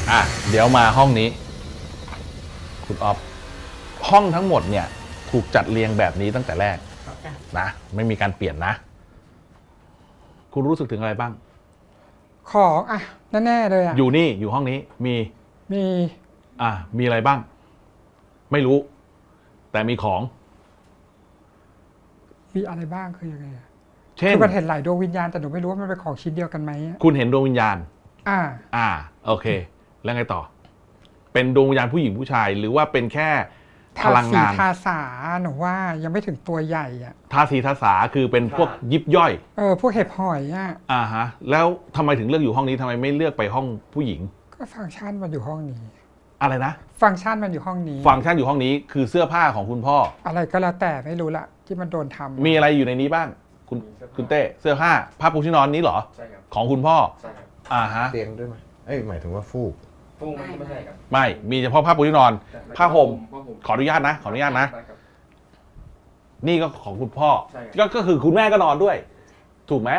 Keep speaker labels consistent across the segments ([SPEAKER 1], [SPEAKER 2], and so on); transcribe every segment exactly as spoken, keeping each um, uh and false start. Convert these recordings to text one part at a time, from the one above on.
[SPEAKER 1] อ่ะเดี๋ยวมาห้องนี้คุณออฟห้องทั้งหมดเนี่ยถูกจัดเรียงแบบนี้ตั้งแต่แรกนะไม่มีการเปลี่ยนนะคุณรู้สึกถึงอะไรบ้าง
[SPEAKER 2] ของอ่ะแน่ๆเลยอ่ะ
[SPEAKER 1] อยู่นี่อยู่ห้องนี้มี
[SPEAKER 2] มี
[SPEAKER 1] อ่ะมีอะไรบ้างไม่รู้แต่มีของ
[SPEAKER 2] มีอะไรบ้างคือยังไง
[SPEAKER 1] เช่น
[SPEAKER 2] คือมันเห็นหลายดวงวิญญาณแต่หนูไม่รู้ว่ามันเป็นของชิ้นเดียวกันไหม
[SPEAKER 1] คุณเห็นดวงวิญญาณ
[SPEAKER 2] อ่า
[SPEAKER 1] อ่าโอเคแล้วไงต่อเป็นดวงวิญญาณผู้หญิงผู้ชายหรือว่าเป็นแค่พลังงาน
[SPEAKER 2] ทาสาหนูว่ายังไม่ถึงตัวใหญ่อ่ะ
[SPEAKER 1] ทาสีทาสาคือเป็นพวกยิบย่อย
[SPEAKER 2] เออพวกเห็บหอยอ่ะ
[SPEAKER 1] อ่าฮะแล้วทำไมถึงเลือกอยู่ห้องนี้ทำไมไม่เลือกไปห้องผู้หญิง
[SPEAKER 2] ก็ฟังก์ชันมันอยู่ห้องนี้
[SPEAKER 1] อะไรนะ
[SPEAKER 2] ฟังก์ชันมันอยู่ห้องนี้
[SPEAKER 1] ฟังก์ชันอยู่ห้องนี้คือเสื้อผ้าของคุณพ่อ
[SPEAKER 2] อะไรก็แล้วแต่ไม่รู้ละที่มันโดนทำ
[SPEAKER 1] มีอะไรอยู่ในนี้บ้างคุณคุณเต้เสื้อผ้าผ้าปูที่นอนนี้เหรอ
[SPEAKER 3] ใช่ครับ
[SPEAKER 1] ของคุณพ่อ
[SPEAKER 3] ใช่ครับ
[SPEAKER 1] อ่าฮะ
[SPEAKER 4] เตียงด้วยไหมเอ้ยหมายถึงว่าฟูก
[SPEAKER 3] ฟูกไม่ใช่ครับ
[SPEAKER 1] ไม่มีเฉพาะผ้าปูที่นอนผ้าห่มขออนุญาตนะขออนุญาตนะนี่ก็ของคุณพ่อก็ก็คือคุณแม่ก็นอนด้วยถูกไหม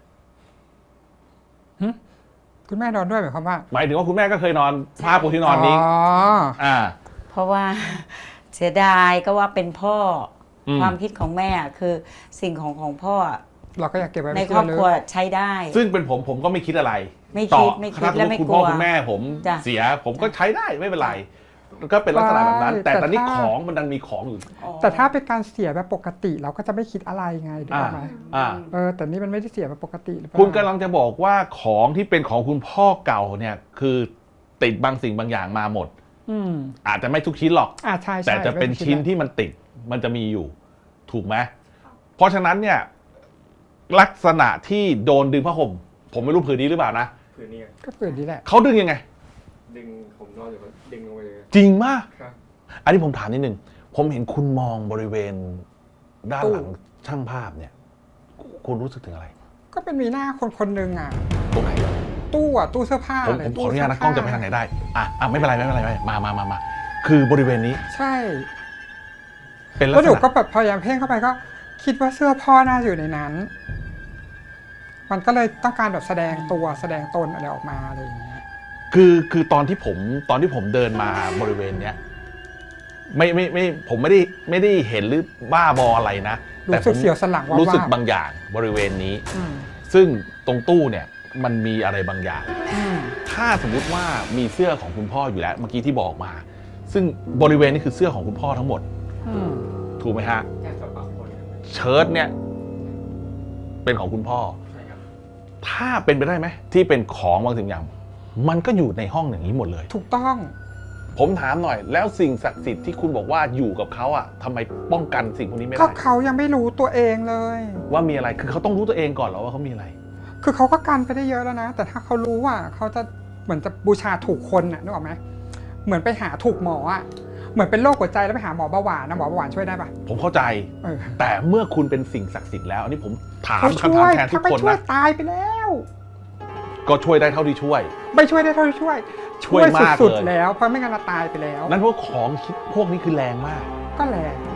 [SPEAKER 2] คุณแม่นอนด้วยหมายความว่า
[SPEAKER 1] หมายถึงว่าคุณแม่ก็เคยนอนผ้าปูที่นอนนี้
[SPEAKER 2] อ๋อ
[SPEAKER 1] อ่า
[SPEAKER 5] เพราะว่าเสียดายก็ว่าเป็นพ่อความคิดของแม่คือสิ่งของของพ่อ
[SPEAKER 2] เราก็อยากเก็บไว้
[SPEAKER 5] ในครอบครัวใช้ได้
[SPEAKER 1] ซึ่งเป็นผมผมก็ไม่คิดอะไร
[SPEAKER 5] ไม่คิดไม่คิดและไม่กลัว
[SPEAKER 1] คุณพ่อคุณแม่ผมเสียผมก็ใช้ได้ไม่เป็นไรก็เป็นลักษณะแบบนั้นแต่ตอนนี้ของมันดันมีของอยู่
[SPEAKER 2] แต่ถ้าเป็นการเสียแบบปกติเราก็จะไม่คิดอะไรไงถูกไหมเออแต่นี่มันไม่ได้เสียแบบปกติหรือเปล่า
[SPEAKER 1] คุณกำลังจะบอกว่าของที่เป็นของคุณพ่อเก่าเนี่ยคือติดบางสิ่งบางอย่างมาหมดอาจจะไม่ทุกชิ้นหรอกแต่จะเป็นชิ้นที่มันติดมันจะมีอยู่ถูกไหมเพราะฉะนั้นเนี่ยลักษณะที่โดนดึงผ้าห่มผมไม่รู้ผืนนี้หรือเปล่านะ
[SPEAKER 3] ผืนนี้
[SPEAKER 2] ก็ผืนนี้แหละ
[SPEAKER 1] เขาดึงยังไง
[SPEAKER 3] ดึงผมนอนอยู่ก็ดึงลงไปเลย
[SPEAKER 1] จริงมากอันนี้ผมถามนิดนึงผมเห็นคุณมองบริเวณด้านหลังช่างภาพเนี่ยคุณรู้สึกถึงอะไร
[SPEAKER 2] ก็เป็นมีหน้าคนคนหนึ่งอ่ะ
[SPEAKER 1] ตรงไหน
[SPEAKER 2] ตู้อ่ะตู้เสื้อผ้า
[SPEAKER 1] ผมผมขออนุญาตนะกล้องจะไปทางไหนได้อ่ะอ่ะไม่เป็นไรไม่เป็นไรไม่มามามามาคือบริเวณนี้
[SPEAKER 2] ใช่
[SPEAKER 1] เป็น
[SPEAKER 2] แล้วหนูก็แบบพยายามเพ่งเข้าไปก็คิดว่าเสื้อพ่อน่าอยู่ในนั้นมันก็เลยต้องการแบบแสดงตัวแสดงตนอะไรออกมาอะไรอย่างเงี้ย
[SPEAKER 1] คือคือตอนที่ผมตอนที่ผมเดินมาบริเวณเนี้ยไม่ไม่ไม่ผมไม่ได้ไม่ได้เห็นหรือบ้าบออะไรนะ
[SPEAKER 2] แต่รู้สึกเสียวสันหลังว่า
[SPEAKER 1] รู้สึกบางอย่างบริเวณนี้ซึ่งตรงตู้เนี่ยมันมีอะไรบางอย่างถ้าสมมุติว่ามีเสื้อของคุณพ่ออยู่แล้วเมื่อกี้ที่บอกมาซึ่งบริเวณนี้คือเสื้อของคุณพ่อทั้งหมดถูกไหมฮะเชิ้ตเนี่ยเป็นของคุณพ่อถ้าเป็นไปได้ไหมที่เป็นของบางสิ่งอย่างมันก็อยู่ในห้องอย่างนี้หมดเลย
[SPEAKER 2] ถูกต้อง
[SPEAKER 1] ผมถามหน่อยแล้วสิ่งศักดิ์สิทธิ์ที่คุณบอกว่าอยู่กับเขาอ่ะทำไมป้องกันสิ่งพวกนี้ไม่ได้
[SPEAKER 2] ก็เขายังไม่รู้ตัวเองเลย
[SPEAKER 1] ว่ามีอะไรคือเขาต้องรู้ตัวเองก่อนเหรอว่าเขามีอะไร
[SPEAKER 2] คือเขาก็กันไปได้เยอะแล้วนะแต่ถ้าเขารู้ว่าเขาจะเหมือนจะบูชาถูกคนน่ะนึกออกไหมเหมือนไปหาถูกหมออ่ะเหมือนเป็นโรคหัวใจแล้วไปหาหมอเบาหวานนะหมอเบาหวานช่วยได้ปะ
[SPEAKER 1] ผมเข้าใจแต่เมื่อคุณเป็นสิ่งศักดิ์สิทธิ์แล้วอันนี้ผมถามคำถามแทนทุกคนนะ
[SPEAKER 2] ช่วยตายไปแล้ว
[SPEAKER 1] ก็ช่วยได้เท่าที่ช่วย
[SPEAKER 2] ไม่ช่วยได้เท่าที่ช่วย
[SPEAKER 1] ช่วยมาก
[SPEAKER 2] สุดๆแล้วเพราะไม่งั้นเราตายไปแล้ว
[SPEAKER 1] นั่นพวกของพวกนี้คือแรงมาก
[SPEAKER 2] ก็แรง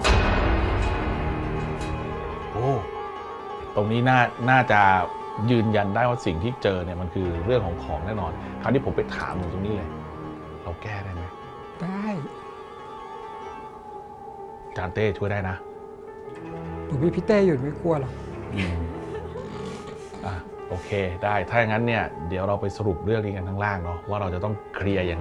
[SPEAKER 1] โอ้ตรงนี้น่าน่าจะยืนยันได้ว่าสิ่งที่เจอเนี่ยมันคือเรื่องของของแน่นอนคราวนี้ผมไปถามตรงนี้เลยเราแก้ได้ไหม
[SPEAKER 2] ได้
[SPEAKER 1] จานเต้ช่วยได้นะ
[SPEAKER 2] หนูพี่พี่เต้อยู่ไม่กลัวหรอก
[SPEAKER 1] อ่ะโอเคได้ถ้าอย่างนั้นเนี่ยเดี๋ยวเราไปสรุปเรื่องนี้กันข้างล่างเนาะว่าเราจะต้องเคลียร์ยังไง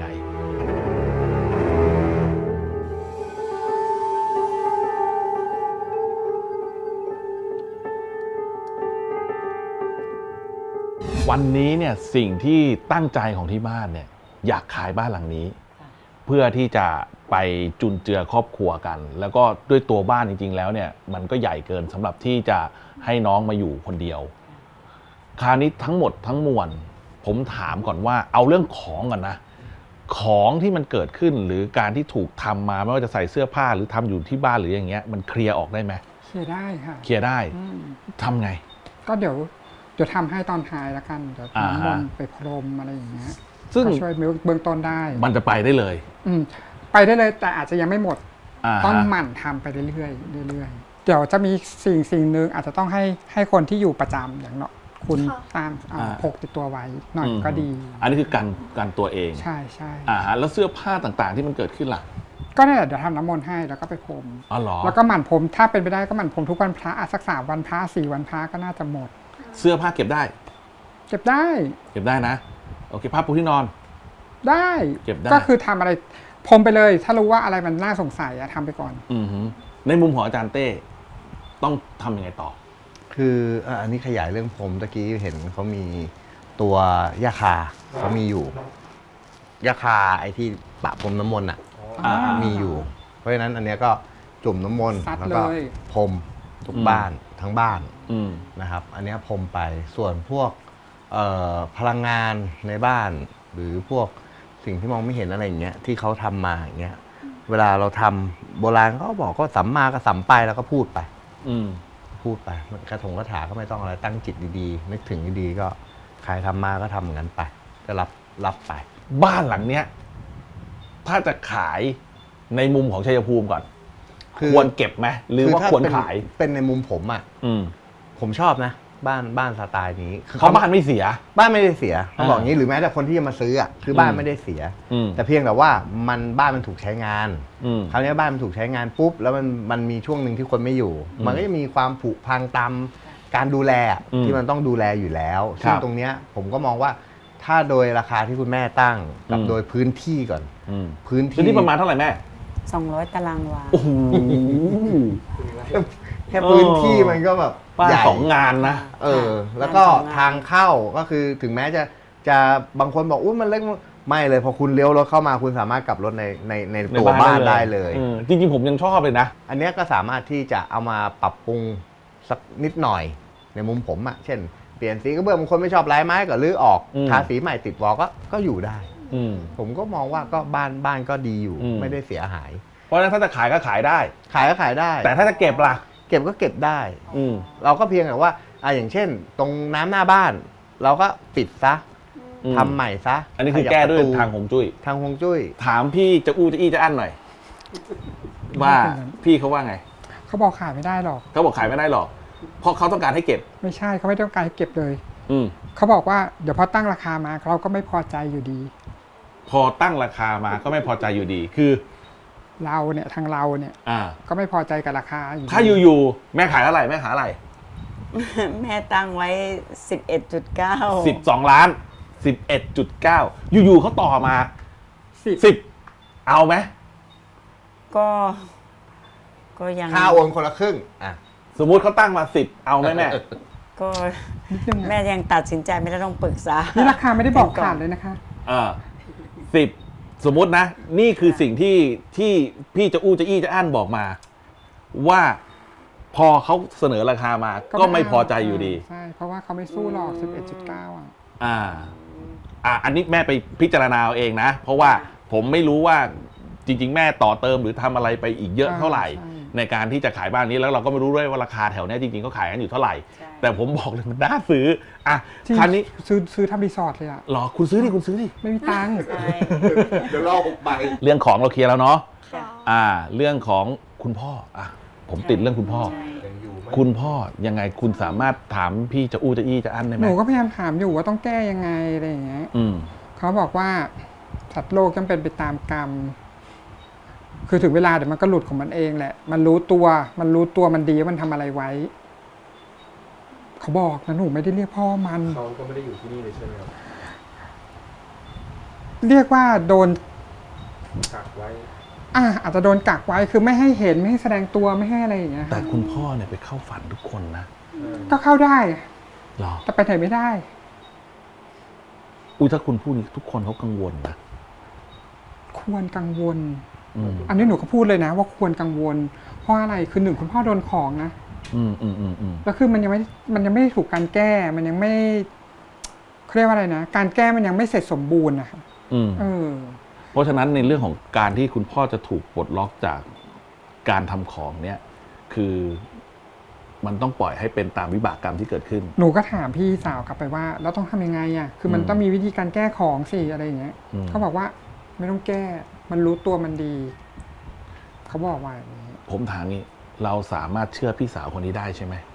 [SPEAKER 1] วันนี้เนี่ยสิ่งที่ตั้งใจของที่บ้านเนี่ยอยากขายบ้านหลังนี้เพื่อที่จะไปจุนเจือครอบครัวกันแล้วก็ด้วยตัวบ้านจริงๆแล้วเนี่ยมันก็ใหญ่เกินสำหรับที่จะให้น้องมาอยู่คนเดียวคราวนี้ทั้งหมดทั้งมวลผมถามก่อนว่าเอาเรื่องของก่อนนะของที่มันเกิดขึ้นหรือการที่ถูกทำมาไม่ว่าจะใส่เสื้อผ้าหรือทำอยู่ที่บ้านหรืออย่างเงี้ยมันเคลียร์ออกได้ไหม
[SPEAKER 2] เคลียร์ได้ค่ะ
[SPEAKER 1] เคลียร์ได้ทำไง
[SPEAKER 2] ก็เดี๋ยวเดี๋ยวทำให้ตอนท้ายแล้วกันเดี๋ยวน้ำมนต์ไปพรมอะไรอย่างเงี้ย
[SPEAKER 1] ซึ่ง
[SPEAKER 2] ช่วยเบื้องต้นได้
[SPEAKER 1] มันจะไปได้เลย
[SPEAKER 2] อืมไปได้เลยแต่อาจจะยังไม่หมดต้องหมั่นทำไปเรื่อยๆเรื่อยๆเดี๋ยวจะมีสิ่งสิ่งหนึ่งอาจจะต้องให้ให้คนที่อยู่ประจำอย่างเนาะคุณ
[SPEAKER 6] ค่ะ
[SPEAKER 2] ตามอ่า
[SPEAKER 1] อ่า
[SPEAKER 2] พกติดตัวไว้หน่อย
[SPEAKER 1] อืม
[SPEAKER 2] ก็ดี
[SPEAKER 1] อันนี้คือการการตัวเอง
[SPEAKER 2] ใช่ใช่
[SPEAKER 1] อ่าฮะแล้วเสื้อผ้าต่างๆ ที่มันเกิดขึ้นล่ะ
[SPEAKER 2] ก็เนี่ยเดี๋ยวทำน้ำมนต์ให้แล้วก็ไปพรม
[SPEAKER 1] อ๋อเหรอ
[SPEAKER 2] แล้วก็หมั่นพรมถ้าเป็นไปได้ก็หมั่นพรมทุกวันพระอ่ะสักสามวันพระสี่วันพระก็น่าจะหมด
[SPEAKER 1] เสื้อผ้าเก็บได้
[SPEAKER 2] เก็บได้
[SPEAKER 1] เก็บได้นะโอเคผ้าปูที่นอน
[SPEAKER 2] ได้
[SPEAKER 1] เก็บได้
[SPEAKER 2] ก็คือทำอะไรพรมไปเลย ถ้ารู้ว่าอะไรมันน่าสงสัยอะทำไปก่อน
[SPEAKER 1] อือฮึในมุมของอาจารย์เต้ต้องทำยังไงต่อ
[SPEAKER 4] คืออ่ะอันนี้ขยายเรื่องผมตะกี้เห็นเขามีตัวยาคาเขามีอยู่ยาคาไอ้ที่ปะพรมน้ำมนต์อ่ะ
[SPEAKER 1] อ่า
[SPEAKER 4] มีอยู่ เพราะฉะนั้นอันเนี้ยก็จุ่มน้ำมนต์
[SPEAKER 2] ซัด
[SPEAKER 4] แล้วก็
[SPEAKER 2] เลย
[SPEAKER 4] พรมทุก
[SPEAKER 1] อืม
[SPEAKER 4] บ้านทั้งบ้าน
[SPEAKER 1] อืม
[SPEAKER 4] นะครับ อันเนี้ยพรมไปส่วนพวกเอ่อพลังงานในบ้าน หรือพวกสิ่งที่มองไม่เห็นอะไรอย่างเงี้ยที่เขาทำมาอย่างเงี้ยเวลาเราทำโบราณเขาก็บอกก็สัมมาก็สัมไปแล้วก็พูดไป
[SPEAKER 1] อืม
[SPEAKER 4] พูดไปกระถงกระถาก็ไม่ต้องอะไรตั้งจิตดีๆ นึกถึงดีๆก็ใครทำมาก็ทำเหมือนกันไป ก็รับรับไป
[SPEAKER 1] บ้านหลังเนี้ยถ้าจะขายในมุมของชัยภูมิก่อน
[SPEAKER 4] คือ
[SPEAKER 1] ควรเก็บไหมหรือว่า
[SPEAKER 4] ถ้
[SPEAKER 1] ควร
[SPEAKER 4] เป็น
[SPEAKER 1] ขาย
[SPEAKER 4] เป็นในมุมผมอ่ะ
[SPEAKER 1] อืม
[SPEAKER 4] ผมชอบนะ บ้านบ้านสไตล์นี้คือ
[SPEAKER 1] เพราะบ้านไม่เสีย
[SPEAKER 4] บ้านไม่ได้เสียต้องบอก
[SPEAKER 1] อ่า
[SPEAKER 4] อย่างนี้หรือแม้แต่คนที่จะมาซื้ออ่ะคือบ้าน
[SPEAKER 1] อืม
[SPEAKER 4] ไม่ได้เสีย
[SPEAKER 1] อืม
[SPEAKER 4] แต่เพียงแต่ว่ามันบ้านมันถูกใช้งาน
[SPEAKER 1] อืม
[SPEAKER 4] คราวนี้บ้านมันถูกใช้งานปุ๊บแล้วมันมันมีช่วงหนึ่งที่คนไม่อยู่
[SPEAKER 1] อืม
[SPEAKER 4] มันก็จะมีความผุพังตามการดูแลอะ
[SPEAKER 1] อืม
[SPEAKER 4] ที่มันต้องดูแลอยู่แล้ว
[SPEAKER 1] ครับ
[SPEAKER 4] ซึ่งตรงเนี้ยผมก็มองว่าถ้าโดยราคาที่คุณแม่ตั้งกับ
[SPEAKER 1] อืม
[SPEAKER 4] โดยพื้นที่ก่อน
[SPEAKER 1] อืม
[SPEAKER 4] พื้น
[SPEAKER 1] พื้น
[SPEAKER 4] ที่
[SPEAKER 1] ที่ประมาณเท่าไหร่แม่
[SPEAKER 5] สองร้อยตารางวา
[SPEAKER 1] โอ้โห
[SPEAKER 4] แค่พื้นที่มันก็แบบ
[SPEAKER 1] บ้าน
[SPEAKER 4] ใหญ่
[SPEAKER 1] สองงานนะ
[SPEAKER 4] เออ แล้วก็
[SPEAKER 5] บ้านสองงาน
[SPEAKER 4] ทางเข้าก็คือถึงแม้จะจะบางคนบอกอุ้ยมันเล็กไม่เลยพอคุณเลี้ยวรถเข้ามาคุณสามารถกลับรถในในในตัวบ้านได้เลย
[SPEAKER 1] ออจริงๆผมยังชอบเลยนะ
[SPEAKER 4] อันเนี้ยก็สามารถที่จะเอามาปรับปรุงสักนิดหน่อยในมุมผมอะเช่น เปลี่ยนสีกระเบื้องบางคนไม่ชอบลายไม้ก็รื้อออก
[SPEAKER 1] อืม
[SPEAKER 4] ทาสีใหม่ติดวอลก็ก็อยู่ได้
[SPEAKER 1] อืม
[SPEAKER 4] ผมก็มองว่าก็บ้านบ้านก็ดีอยู่
[SPEAKER 1] อืม
[SPEAKER 4] ไม่ได้เสียหาย
[SPEAKER 1] เพราะฉะนั้นถ้าจะขายก็ขายได้
[SPEAKER 4] ขายก็ขายได้
[SPEAKER 1] แต่ถ้าจะเก็บล่ะ
[SPEAKER 4] เก็บก็เก็บได้
[SPEAKER 1] อืม
[SPEAKER 4] เราก็เพียงแต่ว่าอ่ะอย่างเช่น ตรงน้ำหน้าบ้าน เราก็ปิดซะ
[SPEAKER 1] อืม
[SPEAKER 4] ทำใหม่ซะ
[SPEAKER 1] อันนี้คือ
[SPEAKER 4] ขบ
[SPEAKER 1] แก้ด้วย
[SPEAKER 4] ประตู
[SPEAKER 1] ทางหงจุ้ย
[SPEAKER 4] ทางฮวงจุ้ย
[SPEAKER 1] ถามพี่จะอู้จะอี้จะอั้นหน่อย ว่าพี่เขาว่าไง
[SPEAKER 2] เขาบอกขายไม่ได้หรอก
[SPEAKER 1] เขาบอกขายไม่ได้หรอก เพราะเขาต้องการให้เก็บ
[SPEAKER 2] ไม่ใช่เขาไม่ต้องการให้เก็บเลย
[SPEAKER 1] อืม
[SPEAKER 2] เขาบอกว่าเดี๋ยวพอตั้งราคามาเราก็ไม่พอใจอยู่ดี
[SPEAKER 1] พอตั้งราคามาก็ไม่พอใจอยู่ดี คือ
[SPEAKER 2] เราเนี่ยทางเราเนี่ย
[SPEAKER 1] อ่า
[SPEAKER 2] ก็ไม่พอใจกับราคาอยู่ดี
[SPEAKER 1] ถ้าอยู่ๆแม่ขายอะไรแม่ขายอะไร
[SPEAKER 5] แม่ตั้งไว้สิบเอ็ดจุดเก้า
[SPEAKER 1] สิบสองล้านสิบเอ็ดจุดเก้าอยู่ๆเขาต่อมา
[SPEAKER 2] สิบ
[SPEAKER 1] สิบเอาไหม
[SPEAKER 5] ก็ ก็ยัง
[SPEAKER 4] ค่าโอนคนละครึ่งอ่ะ
[SPEAKER 1] สมมุติเขาตั้งมาสิบเอาไหมแม่
[SPEAKER 5] ก็
[SPEAKER 2] นิดนึง
[SPEAKER 5] แม่
[SPEAKER 2] อะ
[SPEAKER 5] ยังตัดสินใจไม่ได้ต้องปรึกษา
[SPEAKER 2] นี่ราคาไม่ได้บอกขาดเลยนะคะ
[SPEAKER 1] อ่าสิบสมมุตินะ นี่คือสิ่งที่ที่พี่จะอู้จะอี้จะอั้นบอกมา ว่าพอเขาเสนอราคามาก็ไม่พอใจอยู่ดี
[SPEAKER 2] ใช่เพราะว่าเขาไม่สู้หรอก สิบเอ็ดจุดเก้า อ่ะ
[SPEAKER 1] อ่า อ่า อันนี้แม่ไปพิจารณาเอาเองนะ เพราะว่าผมไม่รู้ว่าจริง ๆ แม่ต่อเติมหรือทำอะไรไปอีกเยอะเท่าไหร่
[SPEAKER 2] ใช่
[SPEAKER 1] ในการที่จะขายบ้านนี้แล้วเราก็ไม่รู้ด้วยว่าราคาแถวเนี้ยจริงๆเขาขายกันอยู่เท่าไหร่
[SPEAKER 5] ใช่
[SPEAKER 1] แต่ผมบอกเลยมันน่าซื้ออ่ะ
[SPEAKER 2] ที่
[SPEAKER 1] คราวนี้
[SPEAKER 2] ซื้อซื้อทำรีสอร์ทเลยอ่ะ
[SPEAKER 1] หรอคุณซื้อดิคุณซื้อดิ
[SPEAKER 2] ไม่มีตังค์
[SPEAKER 5] ใช่
[SPEAKER 4] เดี๋ยวรอหกใบ
[SPEAKER 1] เรื่องของเราเคลียร์แล้วเนาะ
[SPEAKER 5] ค่ะ
[SPEAKER 1] อ่า เรื่องของคุณพ่ออ่ะผมติดเรื่องคุณพ่อ
[SPEAKER 5] ใช่
[SPEAKER 1] คุณพ่อยังไงคุณสามารถถามพี่จะอู้จะอี้จะอั้นได้ไห
[SPEAKER 2] ห
[SPEAKER 1] ม
[SPEAKER 2] นูก็พยายามถามอยู่ว่าต้องแก้ยังไงอะไรอย่างเงี้ย
[SPEAKER 1] อืม
[SPEAKER 2] เขาบอกว่าสัตว์โลกย่อมเป็นไปตามกรรม คือถึงเวลาเดี๋ยวมันก็หลุดของมันเองแหละ มันรู้ตัว มันรู้ตัวมันดีว่ามันทำอะไรไว้ เขาบอกนะหนูไม่ได้เรียกพ่อมัน
[SPEAKER 3] เขาก็ไม่ได้อยู่ที่นี่เลยใช่ไหมครับ
[SPEAKER 2] เรียกว่าโดน
[SPEAKER 3] กักไว้
[SPEAKER 2] อ่ะอาจจะโดนกักไว้คือไม่ให้เห็นไม่ให้แสดงตัวไม่ให้อะไรอย่างเงี้ย
[SPEAKER 1] แต่คุณพ่อเนี่ยไปเข้าฝันทุกคนนะ
[SPEAKER 2] ก็เข้าได้
[SPEAKER 1] หรอ
[SPEAKER 2] แต่ไปไหนไม่ได้
[SPEAKER 1] อุ้ยถ้าคุณพูดนี้ทุกคนเขากังวลนะ
[SPEAKER 2] ควรกังวล
[SPEAKER 1] อืม
[SPEAKER 2] อันนี้หนูก็พูดเลยนะ ว่าควรกังวล เพราะอะไรคือหนึ่งคุณพ่อโดนของนะ
[SPEAKER 1] อืมอืมอืมอืม
[SPEAKER 2] แล้วคือมันยังไม่มันยังไม่ถูกการแก้ มันยังไม่เขาเรียกว่าอะไรนะการแก้มันยังไม่เสร็จสมบูรณ์นะคะ
[SPEAKER 1] อืม
[SPEAKER 2] เออ
[SPEAKER 1] เพราะฉะนั้นในเรื่องของการที่คุณพ่อจะถูกปลดล็อกจากการทำของเนี่ย คือมันต้องปล่อยให้เป็นตามวิบากกรรมที่เกิดขึ้น
[SPEAKER 2] หนูก็ถามพี่สาวกลับไปว่าแล้วต้องทำยังไงอ่ะคือมัน
[SPEAKER 1] อืม
[SPEAKER 2] ต้องมีวิธีการแก้ของสิอะไรอย่างเงี้ย
[SPEAKER 1] อืม
[SPEAKER 2] เขาบอกว่าไม่ต้องแก้ มันรู้ตัวมันดี เขาบอกว่าอย่างนี้
[SPEAKER 1] ผมถามนี้เราสามารถเชื่อพี่สาวคนนี้ได้ใช่ไหม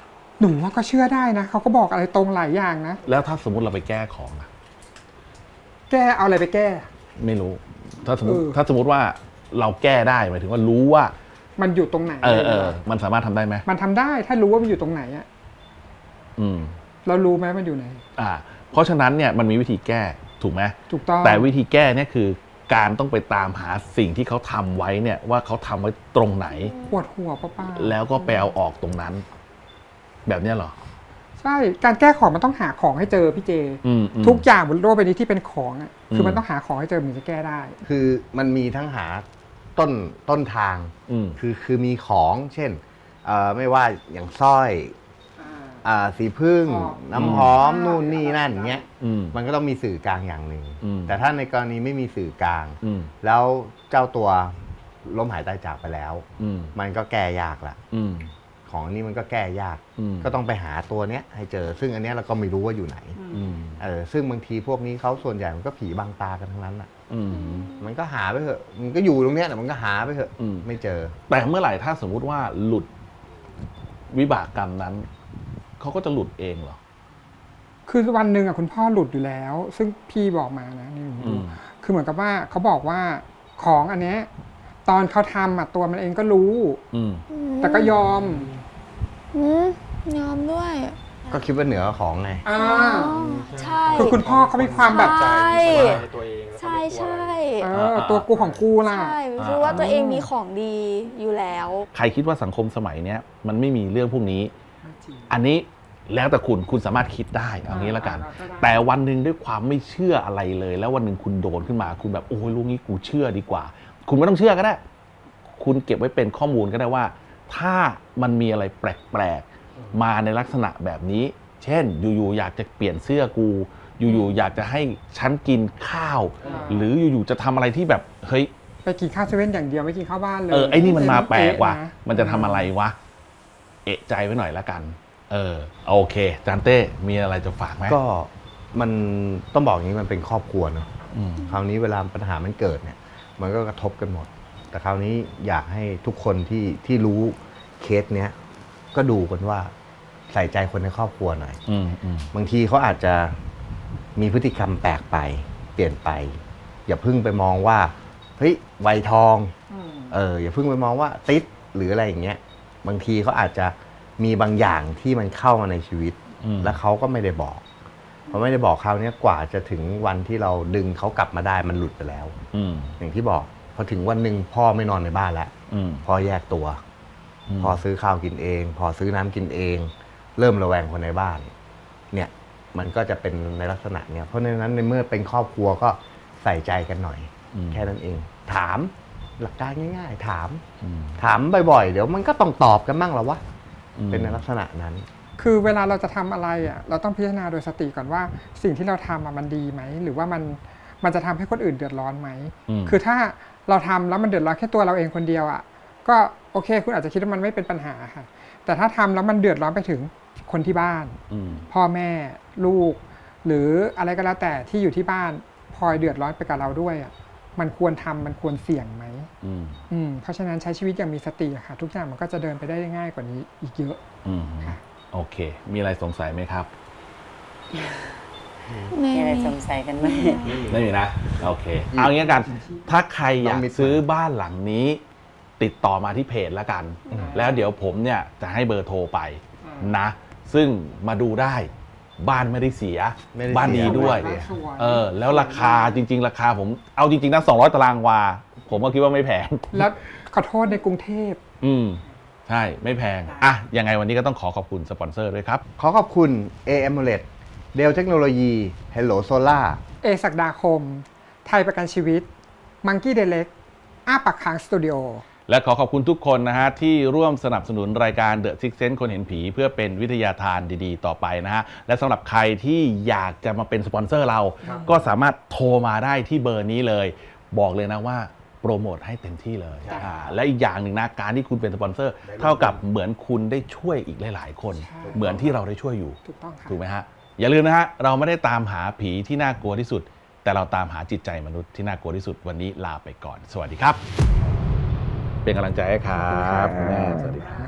[SPEAKER 2] หนูว่าก็เชื่อได้นะเขาก็บอกอะไรตรงหลายอย่างนะ
[SPEAKER 1] แล้วถ้าสมมติเราไปแก้ของอะ
[SPEAKER 2] แก้เอาอะไรไปแก้
[SPEAKER 1] ไม่รู้ ถ้าสมมติ
[SPEAKER 2] เออ
[SPEAKER 1] ถ้าสมมติว่าเราแก้ได้หมายถึงว่ารู้ว่า
[SPEAKER 2] มันอยู่ตรงไหน
[SPEAKER 1] เออเออมันสามารถทำได้ไหม
[SPEAKER 2] มันทำได้ถ้ารู้ว่ามันอยู่ตรงไหนอะ
[SPEAKER 1] อืม
[SPEAKER 2] เรารู้ไหมมันอยู่ไหน
[SPEAKER 1] อ่า เพราะฉะนั้นเนี่ยมันมีวิธีแก้ถูกไหม
[SPEAKER 2] ถูกต้อง
[SPEAKER 1] แต่วิธีแก้เนี่ยคือการต้องไปตามหาสิ่งที่เขาทำไว้เนี่ยว่าเขาทำไว้ตรงไหน
[SPEAKER 2] ปวดหัวป้าป้า
[SPEAKER 1] แล้วก็ไปเอาออกตรงนั้น แบบเนี้ยเหรอ
[SPEAKER 2] ใช่การแก้ของมันต้องหาของให้เจอพี่เจ
[SPEAKER 1] อืมอืม
[SPEAKER 2] ทุกอย่างบนโลกใบนี้ที่เป็นของอ่ะคือ
[SPEAKER 1] ม
[SPEAKER 2] มันต้องหาของให้เจอมันถึงจะแก้ได้
[SPEAKER 4] คือมันมีทั้งหาต้นต้นทาง
[SPEAKER 1] อืม
[SPEAKER 4] คือคือมีของเช่นเอ่อไม่ว่าอย่างสร้อยอ่าสีพึ่ง
[SPEAKER 2] อ๋อ
[SPEAKER 4] น้ำหอมนู่นนี่นั่นเงี้ย
[SPEAKER 1] อืม
[SPEAKER 4] มันก็ต้องมีสื่อกลางอย่างหนึ่ง
[SPEAKER 1] อืม
[SPEAKER 4] แต่ถ้าในกรณีไม่มีสื่อกลาง
[SPEAKER 1] อืม
[SPEAKER 4] แล้วเจ้าตัวล้มหายตายจากไปแล้ว
[SPEAKER 1] อืม
[SPEAKER 4] มันก็แก้ยากละ
[SPEAKER 1] อืม
[SPEAKER 4] ของอันนี้มันก็แก้ยาก
[SPEAKER 1] อืม
[SPEAKER 4] ก็ต้องไปหาตัวเนี้ยให้เจอ ซึ่งอันเนี้ยเราก็ไม่รู้ว่าอยู่ไหน
[SPEAKER 1] อืม
[SPEAKER 4] เออซึ่งบางทีพวกนี้เขาส่วนใหญ่มันก็ผีบังตากันทั้งนั้นอ่ะ
[SPEAKER 1] อืม
[SPEAKER 4] มันก็หาไปเถอะ มันก็อยู่ตรงเนี้ยแต่มันก็หาไปเถอะ
[SPEAKER 1] อืม
[SPEAKER 4] ไม่เจอ
[SPEAKER 1] แต่เมื่อไหร่ถ้าสมมุติว่าหลุดวิบากกรรมนั้น เขาก็จะหลุดเองเหรอ
[SPEAKER 2] คือวันหนึ่งอ่ะคุณพ่อหลุดอยู่แล้ว ซึ่งพี่บอกมานะนี่หนู
[SPEAKER 1] อื
[SPEAKER 2] ดู
[SPEAKER 1] ม
[SPEAKER 2] คือเหมือนกับว่าเขาบอกว่าของอันเนี้ยตอนเขาทำอ่ะตัวมันเองก็รู้
[SPEAKER 1] อืม
[SPEAKER 2] แต่ก็ยอม
[SPEAKER 6] อืมยอมด้วย
[SPEAKER 4] ก็คิดว่าเหนือของไง
[SPEAKER 2] อ่า
[SPEAKER 6] อ๋อใช่
[SPEAKER 2] คือคุณพ่อเขามีความแบบ
[SPEAKER 6] ใช่
[SPEAKER 3] ในตัวเองแล้วก็
[SPEAKER 6] ใช่
[SPEAKER 3] ไม่กลัว
[SPEAKER 6] ใช่
[SPEAKER 2] เออตัวกูของกูล่ะ
[SPEAKER 6] ใช่รู้ว่าตัวเองมีของดีอยู่แล้ว
[SPEAKER 1] ใครคิดว่าสังคมสมัยเนี้ยมันไม่มีเรื่องพวกนี้ อันนี้แล้วแต่คุณคุณสามารถคิดได้เอางี้ละกัน
[SPEAKER 2] อ่าก็ได้
[SPEAKER 1] แต่วันหนึ่งด้วยความไม่เชื่ออะไรเลย แล้ววันหนึ่งคุณโดนขึ้นมา คุณแบบโอ้ยลูกนี้กูเชื่อดีกว่า คุณไม่ต้องเชื่อก็ได้ คุณเก็บไว้เป็นข้อมูลก็ได้ว่า ถ้ามันมีอะไรแปลกๆมาในลักษณะแบบนี้ เช่น อยู่ๆอยากจะเปลี่ยนเสื้อกู อยู่ๆอยากจะให้ฉันกินข้าว หรืออยู่ๆจะทำอะไรที่แบบเฮ้ย
[SPEAKER 2] ไปกินข้าวเซเว่นอย่างเดียวไม่กินข้าวบ้านเลย
[SPEAKER 1] เออไอ้นี่มันมาแปลกว่ะ
[SPEAKER 2] เอ๊ะนะ
[SPEAKER 1] มันจะทำอะไรวะ เอะใจไว้หน่อยละกัน เออ โอเค จานเต้ มีอะไรจะฝากไหม
[SPEAKER 4] ก็มันต้องบอกอย่างนี้มันเป็นครอบครัวเนอะ
[SPEAKER 1] อืม
[SPEAKER 4] คราวนี้เวลาปัญหามันเกิดเนี่ย มันก็กระทบกันหมด แต่คราวนี้อยากให้ทุกคนที่ที่รู้เคสเนี้ย ก็ดูกันว่าใส่ใจคนในครอบครัวหน่อย
[SPEAKER 1] อืมอืม
[SPEAKER 4] บางทีเขาอาจจะมีพฤติกรรมแปลกไป เปลี่ยนไป อย่าเพิ่งไปมองว่าเฮ้ยวัยทอง เอออย่าเพิ่งไปมองว่าติดหรืออะไรอย่างเงี้ย บางทีเขาอาจจะมีบางอย่างที่มันเข้ามาในชีวิต
[SPEAKER 1] อืม
[SPEAKER 4] แล้วเขาก็ไม่ได้บอกพอไม่ได้บอกคราวเนี้ยกว่าจะถึงวันที่เราดึงเขากลับมาได้มันหลุดไปแล้ว
[SPEAKER 1] อืม
[SPEAKER 4] อย่างที่บอกพอถึงวันหนึ่งพ่อไม่นอนในบ้านแล้ว
[SPEAKER 1] อืม
[SPEAKER 4] พ่อแยกตัว
[SPEAKER 1] ม
[SPEAKER 4] พอซื้อข้าวกินเอง พอซื้อน้ำกินเอง เริ่มระแวงคนในบ้าน เนี่ยมันก็จะเป็นในลักษณะเนี้ยเพราะฉะนั้นในเมื่อเป็นครอบครัวก็ใส่ใจกันหน่อย
[SPEAKER 1] อืม
[SPEAKER 4] แค่นั้นเอง ถามหลักการง่าย ๆ ถาม
[SPEAKER 1] อืม
[SPEAKER 4] ถามบ่อยๆ เดี๋ยวมันก็ต้องตอบกันบ้างแล้ววะ
[SPEAKER 1] อืม
[SPEAKER 4] เป็นในลักษณะนั้น
[SPEAKER 2] คือเวลาเราจะทำอะไรอ่ะเราต้องพิจารณาโดยสติก่อนว่าสิ่งที่เราทำอ่ะมันดีไหมหรือว่ามันมันจะทำให้คนอื่นเดือดร้อนไหม
[SPEAKER 1] อืม
[SPEAKER 2] คือถ้าเราทำแล้วมันเดือดร้อนแค่ตัวเราเองคนเดียวอ่ะก็โอเค คุณอาจจะคิดว่ามันไม่เป็นปัญหาค่ะแต่ถ้าทำแล้วมันเดือดร้อนไปถึงคนที่บ้าน
[SPEAKER 1] อืม
[SPEAKER 2] พ่อแม่ลูก หรืออะไรก็แล้วแต่ที่อยู่ที่บ้านพลอยเดือดร้อนไปกับเราด้วยอ่ะมันควรทำมันควรเสี่ยงไหม
[SPEAKER 1] อืม
[SPEAKER 2] อืมเพราะฉะนั้นใช้ชีวิตอย่างมีสติอะค่ะ ทุกอย่างมันก็จะเดินไปได้ง่ายกว่านี้อีกเยอะ
[SPEAKER 1] อืม
[SPEAKER 2] ค่ะ
[SPEAKER 1] โอเค มีอะไรสงสัยไหมครับ
[SPEAKER 6] ไม่
[SPEAKER 5] มีอะไร
[SPEAKER 6] มี
[SPEAKER 5] สงสัยกันไหม
[SPEAKER 1] ไม่มีนะ โอเค เอางี้กัน ถ้าใครอยาก
[SPEAKER 4] ต้องมี
[SPEAKER 1] ซื้อบ้านหลังนี้ ติดต่อมาที่เพจแล้วกัน แล้วเดี๋ยวผมเนี่ยจะให้เบอร์โทรไปนะ ซึ่งมาดูได้ บ้านไม่ได้เสีย
[SPEAKER 4] ไม่ได้
[SPEAKER 1] บ้านดี
[SPEAKER 4] เสีย
[SPEAKER 1] ด้วย
[SPEAKER 4] ไม่ได้
[SPEAKER 2] สวย
[SPEAKER 1] เออ แล้วราคาจริง ๆ ราคาผม เอาจริง ๆนะสองร้อยตารางวา ผมก็คิดว่าไม่แพง
[SPEAKER 2] แล้วขอโทษในกรุงเทพ
[SPEAKER 1] อืม ใช่ ไม่แพง อ่ะ ยังไงวันนี้ก็ต้องขอขอบคุณสปอนเซอร์ด้วยครับ
[SPEAKER 4] ขอขอบคุณ เอ เอ็ม โอ แอล อี ดี เดลเทคโนโลยี Hello Solar
[SPEAKER 2] เอศักดาคม ไทยประกันชีวิต มังกี้เดเล็กอ้าปากค้างสตูดิโอ
[SPEAKER 1] และขอขอบคุณทุกคนนะฮะที่ร่วมสนับสนุนรายการ The Six Sense คนเห็นผี เพื่อเป็นวิทยาทานดีๆ ต่อไปนะฮะ และสำหรับใครที่อยากจะมาเป็นสปอนเซอร์เรา ก็สามารถโทรมาได้ที่เบอร์นี้เลย บอกเลยนะว่าโปรโมทให้เต็มที่เลยอ่าและอีกอย่างหนึ่งนะการที่คุณเป็นสปอนเซอร์ เท่ากับเหมือนคุณได้ช่วยอีกหลายๆคน
[SPEAKER 2] ใช่
[SPEAKER 1] เหมือนที่เราได้ช่วยอยู่
[SPEAKER 2] ถูกต้องค่ะ
[SPEAKER 1] ถูกไหมฮะ อย่าลืมนะฮะ เราไม่ได้ตามหาผีที่น่ากลัวที่สุด แต่เราตามหาจิตใจมนุษย์ที่น่ากลัวที่สุดวันนี้ลาไปก่อน สวัสดีครับ เป็นกำลังใจให้ครับคุณแม่สวัสดีครับ